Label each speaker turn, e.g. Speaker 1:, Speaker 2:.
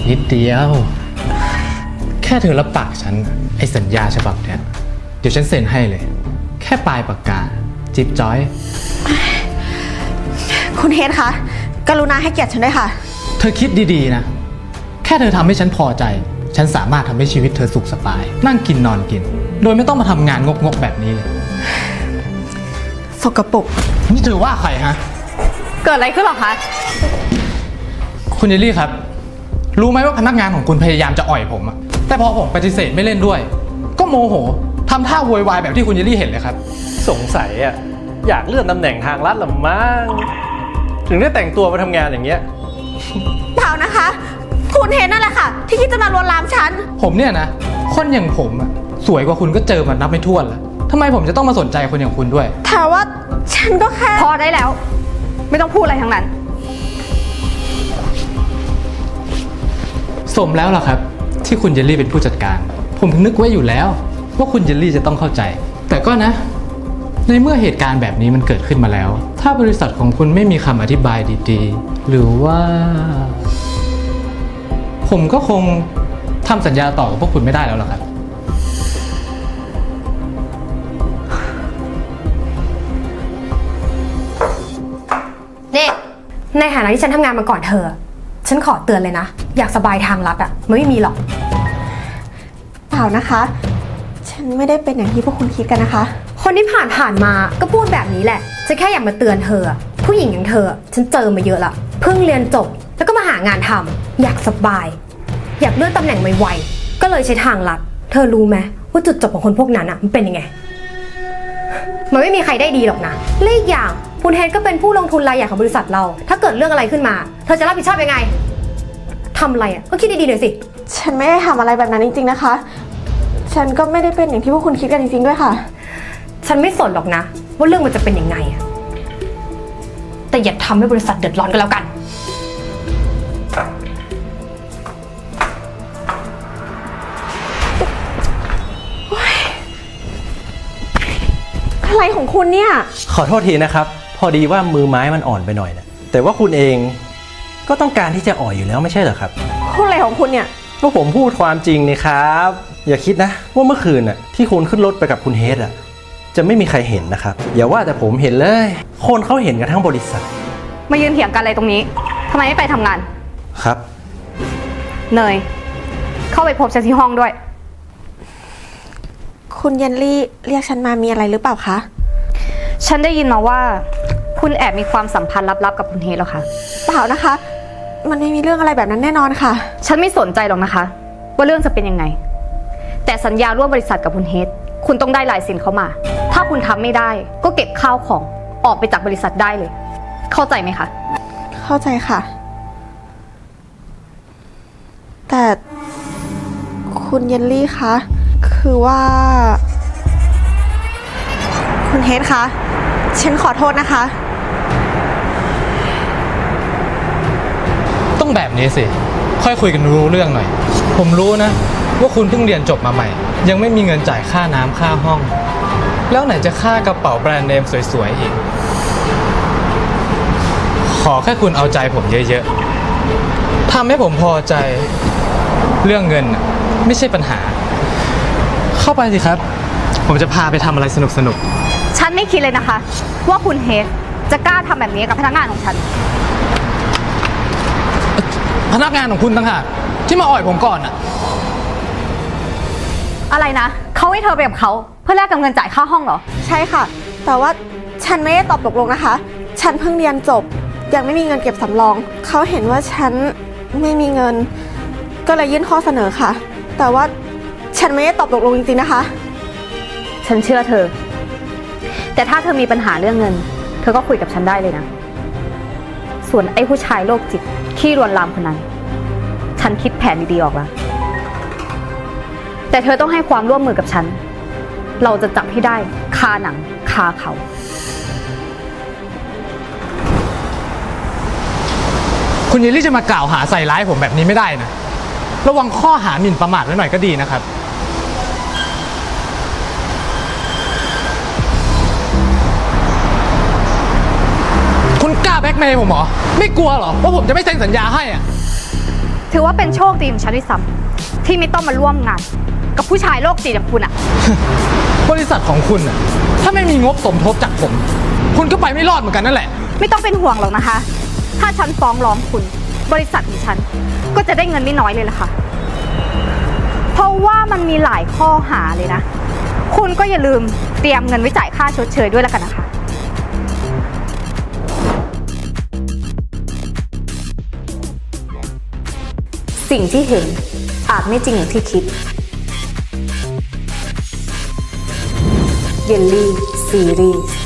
Speaker 1: นิดเดียวแค่เธอรับปากฉันไอ้สัญญาฉบับเนี้ยเดี๋ยวฉันเซ็นให้เลยแค่ปลายปากกาจิ๊บจ้อย
Speaker 2: คุณเฮดคะกรุณาให้เกียรติฉันด้วยค่ะ
Speaker 1: เธอคิดดีๆนะแค่เธอทำให้ฉันพอใจฉันสามารถทำให้ชีวิตเธอสุขสบายนั่งกินนอนกินโดยไม่ต้องมาทำงานงกๆแบบนี้เลย
Speaker 2: สกปรก
Speaker 1: นี่เธอว่าใครฮะ
Speaker 3: เกิดอะไรขึ้นหรอคะ
Speaker 1: คุณเยลลี่ครับรู้ไหมว่าพนักงานของคุณพยายามจะอ่อยผมอะแต่พอผมปฏิเสธไม่เล่นด้วยก็โมโหทำท่าโวยวายแบบที่คุณเยลลี่เห็นเลยครับ
Speaker 4: สงสัยอะอยากเลื่อนตำแหน่งทางลัดหรือมั้งถึงได้แต่งตัวมาทำงานอย่างเงี้ย
Speaker 2: เปล่านะคะคุณเฮดนั่นแหละค่ะที่คิดจะมาลวนลามฉัน
Speaker 1: ผมเนี่ยนะคนอย่างผมอะสวยกว่าคุณก็เจอมานับไม่ถ้วนแล้วทำไมผมจะต้องมาสนใจคนอย่างคุณด้วย
Speaker 2: แต่ว่าฉันก็แค่
Speaker 3: พอได้แล้วไม่ต้องพูดอะไรทั้งนั้น
Speaker 1: สมแล้วล่ะครับที่คุณเยลลี่เป็นผู้จัดการผมนึกไว้อยู่แล้วว่าคุณเยลลี่จะต้องเข้าใจแต่ก็นะในเมื่อเหตุการณ์แบบนี้มันเกิดขึ้นมาแล้วถ้าบริษัทของคุณไม่มีคำอธิบายดีๆหรือว่าผมก็คงทำสัญญาต่อกับพวกคุณไม่ได้แล้วล่ะครับ
Speaker 3: นี่ในฐานะที่ฉันทำงานมาก่อนเธอฉันขอเตือนเลยนะอยากสบายทางลัดอะมันไม่มีหรอก
Speaker 2: เปล่านะคะฉันไม่ได้เป็นอย่างที่พวกคุณคิดกันนะคะ
Speaker 3: คนที่ผ่านมาก็พูดแบบนี้แหละฉันแค่อยากมาเตือนเธอผู้หญิงอย่างเธอฉันเจอมาเยอะละเพิ่งเรียนจบแล้วก็มาหางานทำอยากสบายอยากเลื่อนตำแหน่งไวๆก็เลยใช้ทางลัดเธอรู้ไหมว่าจุดจบของคนพวกนั้นอะมันเป็นยังไงมันไม่มีใครได้ดีหรอกนะและอีกอย่างคุณเฮดก็เป็นผู้ลงทุนรายใหญ่ของบริษัทเราถ้าเกิดเรื่องอะไรขึ้นมาเธอจะรับผิดชอบยังไงทำอะไรก็คิดดีๆหน่อยสิ
Speaker 2: ฉันไม่ได้ทำอะไรแบบนั้นจริงๆนะคะฉันก็ไม่ได้เป็นอย่างที่พวกคุณคิดกันจริงๆด้วยค่ะ
Speaker 3: ฉันไม่สนหรอกนะว่าเรื่องมันจะเป็นยังไงแต่อย่าทำให้บริษัทเดือดร้อนกันแล้วกัน
Speaker 2: อะไรของคุณเนี่ย
Speaker 4: ขอโทษทีนะครับพอดีว่ามือไม้มันอ่อนไปหน่อยนะแต่ว่าคุณเองก็ต้องการที่จะอ่อยอยู่แล้วไม่ใช่เหรอครับ
Speaker 2: พูดอะไรของคุณเนี่ย
Speaker 4: ก็ผมพูดความจริงนี่ครับอย่าคิดนะว่าเมื่อคืนน่ะที่คุณขึ้นรถไปกับคุณเฮดจะไม่มีใครเห็นนะครับอย่าว่าแต่ผมเห็นเลยคนเขาเห็นกันทั้งบริษัท
Speaker 3: มายืนเถียงกันอะไรตรงนี้ทำไมไม่ไปทำงาน
Speaker 4: ครับ
Speaker 3: เนยเข้าไปพบฉันที่ห้องด้วย
Speaker 2: คุณเยลลี่เรียกฉันมามีอะไรหรือเปล่าคะ
Speaker 3: ฉันได้ยินมาว่าคุณแอบมีความสัมพันธ์ลับๆกับคุณเฮดแล้วค่ะ
Speaker 2: เปล่านะคะมันไม่มีเรื่องอะไรแบบนั้นแน่นอนค่ะ
Speaker 3: ฉันไม่สนใจหรอกนะคะว่าเรื่องจะเป็นยังไงแต่สัญญาร่วมบริษัทกับคุณเฮดคุณต้องได้ลายเซ็นเขามาถ้าคุณทำไม่ได้ก็เก็บข้าวของออกไปจากบริษัทได้เลยเข้าใจไหมคะ
Speaker 2: เข้าใจค่ะแต่คุณเยลลี่คะคือว่าคุณเฮดคะฉันขอโทษนะคะ
Speaker 1: ต้องแบบนี้สิค่อยคุยกันรู้เรื่องหน่อยผมรู้นะว่าคุณเพิ่งเรียนจบมาใหม่ยังไม่มีเงินจ่ายค่าน้ำค่าห้องแล้วไหนจะค่ากระเป๋าแบรนด์เนมสวยๆอีกขอแค่คุณเอาใจผมเยอะๆทำให้ผมพอใจเรื่องเงินไม่ใช่ปัญหาเข้าไปสิครับผมจะพาไปทำอะไรสนุก
Speaker 3: ๆฉันไม่คิดเลยนะคะว่าคุณเฮดจะกล้าทำแบบนี้กับพนักงานของฉัน
Speaker 1: พนักงานของคุณต่างหากที่มาอ่อยผมก่อน
Speaker 3: อะไรนะเขาให้เธอไปกับเขาเพื่อแลกกับเงินจ่ายค่าห้องเหรอ
Speaker 2: ใช่ค่ะแต่ว่าฉันไม่ได้ตอบตกลงนะคะฉันเพิ่งเรียนจบยังไม่มีเงินเก็บสำรองเขาเห็นว่าฉันไม่มีเงินก็เลยยื่นข้อเสนอค่ะแต่ว่าฉันไม่ได้ตอบตกลงจริงๆนะคะ
Speaker 3: ฉันเชื่อเธอแต่ถ้าเธอมีปัญหาเรื่องเงินเธอก็คุยกับฉันได้เลยนะส่วนไอ้ผู้ชายโรคจิตขี้ลวนลามคนนั้นฉันคิดแผนดีๆออกแล้วแต่เธอต้องให้ความร่วมมือกับฉันเราจะจับให้ได้คาหนังคาเขา
Speaker 1: คุณเยลลี่จะมากล่าวหาใส่ร้ายผมแบบนี้ไม่ได้นะระวังข้อหาหมิ่นประมาทไว้หน่อยก็ดีนะครับคุณกล้าแบล็กเมย์ผมเหรอไม่กลัวเหรอว่าผมจะไม่เซ็นสัญญาให้
Speaker 3: ถือว่า
Speaker 5: ว่าเป็นโชคดีของฉันด้วยซ้ำที่ไม่ต้องมาร่วมงาน กับผู้ชายโรคจิตอย่างคุณอะ
Speaker 1: บริษัทของคุณน่ะถ้าไม่มีงบสมทบจากผม คุณก็ไปไม่รอดเหมือนกันนั่นแหละ
Speaker 5: ไม่ต้องเป็นห่วงหรอกนะคะ ถ้าฉันฟ้องร้องคุณ บริษัทของฉันก็จะได้เงินไม่น้อยเลยล่ะค่ะ เพราะว่ามันมีหลายข้อหาเลยนะ คุณก็อย่าลืมเตรียมเงินไว้จ่ายค่าชดเชยด้วยแล้วกันนะคะ
Speaker 6: สิ่งที่เห็นอาจไม่จริงอย่างที่คิด เยลลี่ซีรีส์